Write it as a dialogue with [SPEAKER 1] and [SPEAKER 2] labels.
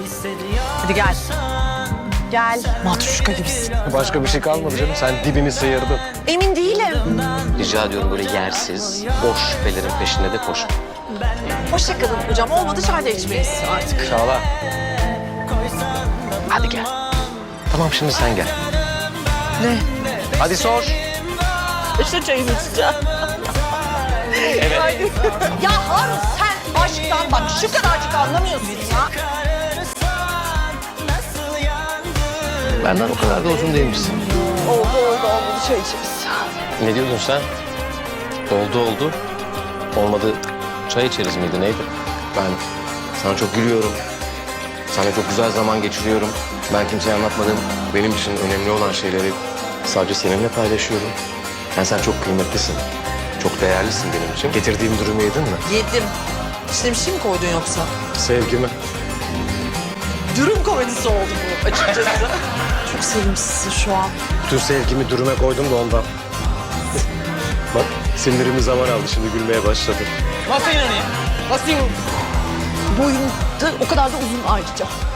[SPEAKER 1] Hadi gel. Gel. Matruşka gibisin.
[SPEAKER 2] Başka bir şey kalmadı canım. Sen dibini sıyırdın.
[SPEAKER 1] Emin değilim.
[SPEAKER 2] Rica ediyorum böyle yersiz, boş şüphelerin peşinde de koş.
[SPEAKER 1] Hoşça kalın hocam. Olmadı çay da içmeyiz artık.
[SPEAKER 2] Çağla. Hadi gel. Tamam şimdi sen gel.
[SPEAKER 1] Ne?
[SPEAKER 2] Hadi sor.
[SPEAKER 1] İşte çayımı içeceğim.
[SPEAKER 2] Evet.
[SPEAKER 1] Ya Harun sen aşktan bak şu kadarcık anlamıyorsun ya.
[SPEAKER 2] Benden o kadar da uzun değilmişsin.
[SPEAKER 1] Oldu çay içeriz.
[SPEAKER 2] Ne diyordun sen? Oldu. Olmadı çay içeriz miydi neydi? Ben sana çok gülüyorum. Sana çok güzel zaman geçiriyorum. Ben kimseye anlatmadım. Benim için önemli olan şeyleri sadece seninle paylaşıyorum. Yani sen çok kıymetlisin. Çok değerlisin benim için. Getirdiğim durumu yedin mi?
[SPEAKER 1] Yedim. İçine bir şey mi koydun yoksa?
[SPEAKER 2] Sevgimi.
[SPEAKER 1] Dürüm komedisi oldu bu açıkçası. Çok sevimsizsin şu an.
[SPEAKER 2] Bütün sevgimi dürüme koydum da ondan. Bak sinirimi zaman aldı şimdi gülmeye başladı.
[SPEAKER 1] Boyun da o kadar da uzun ayrıca.